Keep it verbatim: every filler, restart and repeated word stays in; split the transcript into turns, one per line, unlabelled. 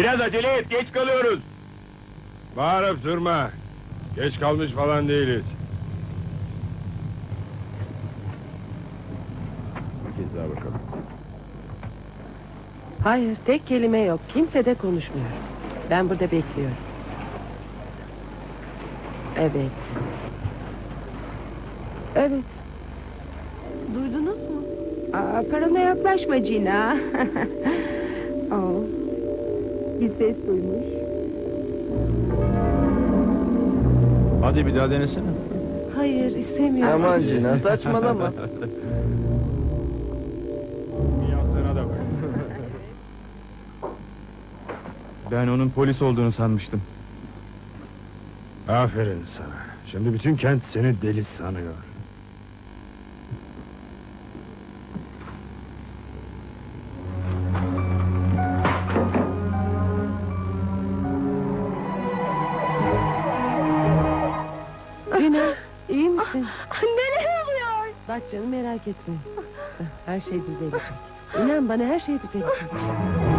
Biraz acele et, geç kalıyoruz.
Bağırıp durma. Geç kalmış falan değiliz. Bir kez daha bakalım.
Hayır, tek kelime yok. Kimse de konuşmuyor. Ben burada bekliyorum. Evet. Evet.
Duydunuz mu? Aa, karına yaklaşma Gina. Oh. Bir ses duymuş.
Hadi bir daha denesene.
Hayır, istemiyorum.
Aman Cina, saçmalama.
Yansına da bak.
Ben onun polis olduğunu sanmıştım.
Aferin sana. Şimdi bütün kent seni deli sanıyor.
Gina, iyi misin?
Neler oluyor?
Bak canım, merak etme. Her şey düzelecek. İnan bana, her şey düzelecek.